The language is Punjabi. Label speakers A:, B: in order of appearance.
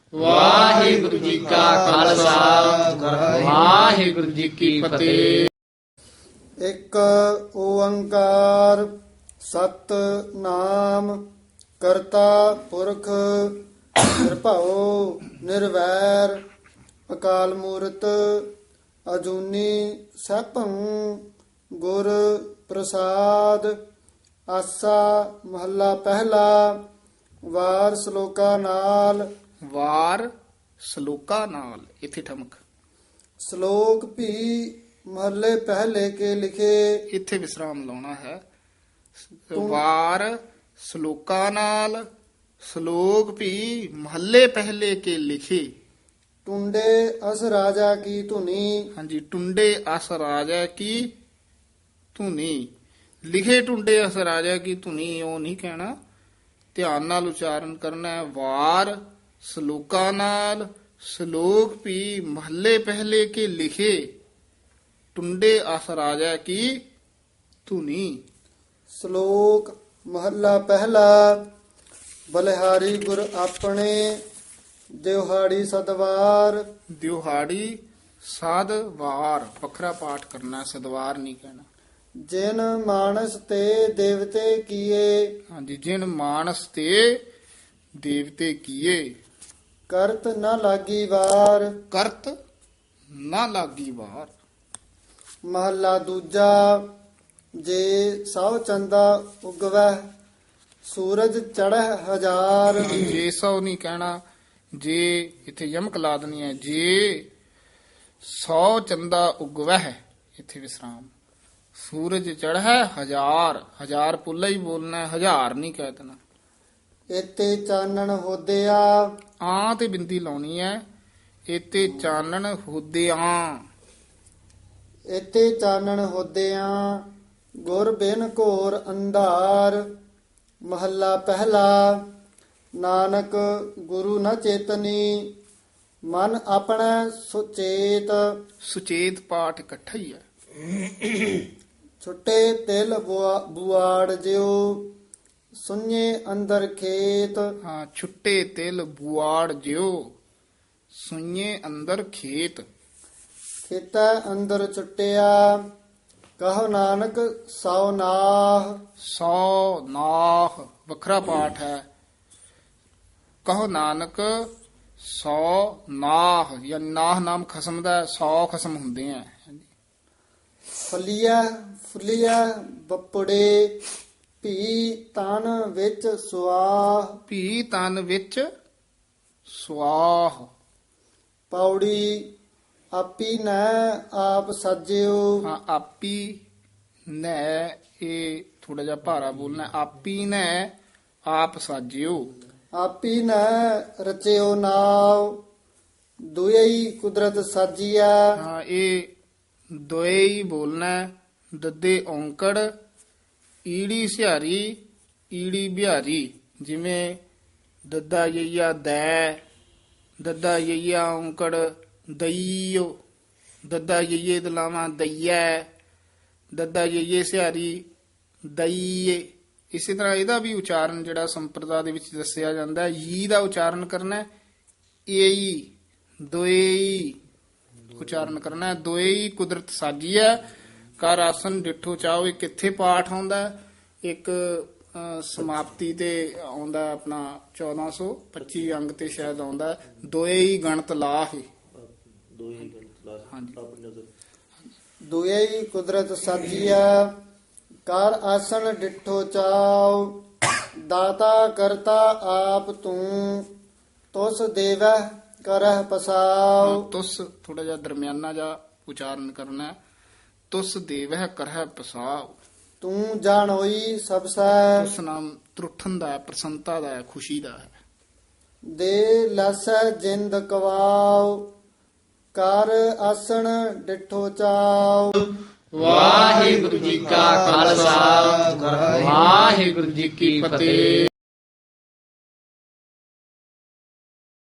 A: ਵਾਹਿਗੁਰੂ ਜੀ ਕਾ ਖਾਲਸਾ ਵਾਹਿਗੁਰੂ ਜੀ ਕੀ ਫਤਿਹ।
B: ਇੱਕ ਓੰਕਾਰ ਸਤਿਨਾਮ ਕਰਤਾ ਪੁਰਖ ਨਿਰਭਉ ਨਿਰਵੈਰ ਅਕਾਲ ਮੂਰਤ ਅਜੂਨੀ ਸੈਭੰ ਗੁਰ ਪ੍ਰਸਾਦ। ਆਸਾ ਮਹੱਲਾ ਪਹਿਲਾ। ਵਾਰ ਸ਼ਲੋਕਾ ਨਾਲ।
A: ਵਾਰ ਸ਼ਲੋਕਾ ਨਾਲ ਇਥੇ ਠਮਕ।
B: ਸ਼ਲੋਕ ਵੀ ਮਹੱਲੇ ਪਹਿਲੇ ਕੇ ਲਿਖੇ।
A: ਇੱਥੇ ਵਿਸਰਾਮ ਲਾਉਣਾ ਹੈ। ਵਾਰ ਸ਼ਲੋਕਾ ਨਾਲ ਸ਼ਲੋਕ ਵੀ ਮਹੱਲੇ ਪਹਿਲੇ ਕੇ ਲਿਖੇ।
B: ਟੁੰਡੇ ਅਸ ਰਾਜਾ ਕੀ ਧੁਨੀ।
A: ਹਾਂਜੀ, ਟੁੰਡੇ ਅਸ ਰਾਜਾ ਕੀ ਧੁਨੀ। ਲਿਖੇ ਟੁੰਡੇ ਅਸ ਰਾਜਾ ਕੀ ਧੁਨੀ ਉਹ ਨਹੀਂ ਕਹਿਣਾ, ਧਿਆਨ ਨਾਲ ਉਚਾਰਨ ਕਰਨਾ ਹੈ। ਵਾਰ ਸ਼ਲੋਕਾ ਨਾਲ ਸ਼ਲੋਕ ਵੀ ਮਹੱਲੇ ਪਹਿਲੇ ਕੇ ਲਿਖੇ। ਟੁੰਡੇ ਅਸ ਰਾਜਾ ਕੀ ਧੁਨੀ।
B: ਸ਼ਲੋਕ ਮਹੱਲਾ ਪਹਿਲਾ। ਬਲਿਹਾਰੀ ਗੁਰ ਆਪਣੇ ਦਿਵਹਾੜੀ ਸਦਵਾਰ।
A: ਦਿਵਹਾੜੀ ਸਦਵਾਰ ਵੱਖਰਾ ਪਾਠ ਕਰਨਾ, ਸਦਵਾਰ ਨਹੀਂ ਕਹਿਣਾ।
B: ਜਿਨ ਮਾਨਸ ਤੇ ਦੇਵਤੇ ਕੀਏ।
A: ਹਾਂਜੀ, ਜਿਨ ਮਾਨਸ ਤੇ ਦੇਵਤੇ ਕੀਏ।
B: ਕਰਤ ਨ ਲਾਗੀ ਵਾਰ।
A: ਕਰਤ ਨਾ ਲਾਗੀ ਵਾਰ।
B: ਮਹੱਲਾ ਦੂਜਾ। ਜੇ ਸਭ ਚੰਦਾ ਉਗਵੈ ਸੂਰਜ ਚੜ੍ਹੈ ਹਜ਼ਾਰ।
A: ਜੇ ਸੌ ਨਹੀਂ ਕਹਿਣਾ, ਜੇ ਇੱਥੇ ਯਮਕ ਲਾ ਦੇਣੀ ਹੈ। ਜੇ 100 ਚੰਦਾ ਉਗਵਹਿ ਇੱਥੇ ਵਿਸਰਾਮ। ਸੂਰਜ ਚੜ੍ਹੈ ਹਜ਼ਾਰ, ਹਜ਼ਾਰ ਪੁੱਲਾ ਹੀ ਬੋਲਣਾ, ਹਜ਼ਾਰ ਨਹੀਂ ਕਹਿ ਦੇਣਾ।
B: ਇਤੇ ਚਾਨਣ ਹੋਦਿਆ।
A: ਆਂ ਤੇ ਬਿੰਦੀ ਲਾਉਣੀ ਹੈ। ਇਤੇ ਚਾਨਣ ਹੋਦਿਆਂ।
B: ਇਤੇ ਚਾਨਣ ਹੋਦਿਆਂ ਗੁਰ ਬਿਨ ਘੋਰ ਅੰਧਾਰ। ਮਹੱਲਾ ਪਹਿਲਾ। ਨਾਨਕ ਗੁਰੂ ਨ ਚੇਤਨੀ ਮਨ ਆਪਣਾ ਸੁਚੇਤ।
A: ਸੁਚੇਤ ਪਾਠ ਇਕੱਠਾ ਹੀ ਹੈ।
B: ਛੁੱਟੇ ਤਿਲ ਬੁਆੜ ਜਿਉ ਸੁਣੇ ਅੰਦਰ ਖੇਤ।
A: ਹਾਂ, ਛੁੱਟੇ ਤਿਲ ਬੁਆੜ ਜਿਉ ਸੁਈਏ ਅੰਦਰ ਖੇਤ।
B: ਖੇਤਾ ਅੰਦਰ ਛੁੱਟਿਆ ਕਹੋ ਨਾਨਕ ਸੌ ਨਾਹ।
A: ਸੌ ਨਾਹ ਵੱਖਰਾ ਪਾਠ ਹੈ। ਕਹੋ ਨਾਨਕ ਸੌ ਨਾਹ, ਜਾਂ ਨਾਹ ਨਾਮ ਖਸਮ ਦਾ 100 ਖਸਮ ਹੁੰਦੇ ਆ।
B: ਫਲੀਆ ਫੁੱਲੀਆ ਬੱਪੜੇ ਭੀ ਤਨ ਵਿੱਚ ਸੁਆਹ।
A: ਭੀ ਤਨ ਵਿੱਚ ਸਵਾਹ।
B: ਪੌੜੀ ਆਪੀ ਨੈ ਆਪ ਸਾਜਿਓ।
A: ਹਾਂ, ਆਪੀ ਨੈ ਇਹ ਥੋੜਾ ਜਿਹਾ ਭਾਰਾ ਬੋਲਣਾ। ਆਪੀ ਨੈ ਆਪ ਸਾਜਿਓ।
B: ਆਪੀ ਨੈ ਰਚਿਓ ਨਾਵ ਦੁਇ ਕੁਦਰਤ ਸਾਜੀਆ।
A: ਹਾਂ, ਇਹ ਦੋਏ ਹੀ ਬੋਲਣਾ। ਦੱਦੇ ਔਂਕੜ ਈੜੀ ਸਿਹਾਰੀ ਈੜੀ ਬਿਹਾਰੀ। ਜਿਵੇਂ ਦੱਦਾ ਯਈਆ ਦੈ, ਦੱਦਾ ਯਈਆ ਔਂਕੜ ਦਈਓ, ਦੱਦਾ ਯਈਏ ਦਲਾਵਾਂ ਦਈਐ, ਦੱਦਾ ਯਈਏ ਸਿਹਾਰੀ ਦਈਏ। ਇਸੇ ਤਰ੍ਹਾਂ ਇਹਦਾ ਵੀ ਉਚਾਰਨ ਜਿਹੜਾ ਸੰਪਰਦਾ ਦੇ ਵਿੱਚ ਦੱਸਿਆ ਜਾਂਦਾ ਹੈ। ਈ ਦਾ ਉਚਾਰਨ ਕਰਨਾ ਏਈ, ਦੋਏਈ ਉਚਾਰਨ ਕਰਨਾ। ਦੋਏਈ ਕੁਦਰਤ ਸਾਜੀ ਹੈ। ਕਰ ਆਸਨ ਡਿਠੋ ਚਾਓ। ਇਹ ਕਿੱਥੇ ਪਾਠ ਆਉਂਦਾ? ਇੱਕ ਸਮਾਪਤੀ ਤੇ ਆਉਂਦਾ ਆਪਣਾ 1425 ਅੰਗ ਤੇ ਸ਼ਾਇਦ ਆਉਂਦਾ। ਦੋਏਈ ਗਣਤ ਲਾਹੇ। ਹਾਂਜੀ,
B: ਦੁਇ ਕੁਦਰਤ ਸਾਜੀਆ ਕਰ ਆਸਣ ਡਿਠੋ ਚਾਉ। ਦਾਤਾ ਕਰਤਾ ਆਪ ਤੂੰ ਤੁਸ ਦੇਵੈ ਕਰਹਿ ਪਸਾਉ।
A: ਤੁਸ ਥੋੜਾ ਜਿਹਾ ਦਰਮਿਆਨਾ ਜਿਹਾ ਉਚਾਰਨ ਕਰਨਾ। ਤੁਸ ਦੇਵਹਿ ਕਰਹਿ ਪਸਾਉ।
B: ਤੂੰ ਜਾਣ ਹੋਈ ਸਭ ਸੈ।
A: ਉਸ ਨਾਮ ਤਰੁੱਠਣ ਦਾ ਹੈ, ਪ੍ਰਸੰਨਤਾ ਦਾ ਹੈ, ਖੁਸ਼ੀ ਦਾ ਹੈ।
B: ਦੇ ਲਸੈ ਜਿੰਦ ਕਵਾਉ ਕਰ ਆਸਣ ਡਿਠੋ ਚਾਉ।
A: ਵਾਹਿਗੁਰੂ ਜੀ ਕਾ ਖਾਲਸਾ ਵਾਹਿਗੁਰੂ ਜੀ ਕੀ ਫਤਿਹ।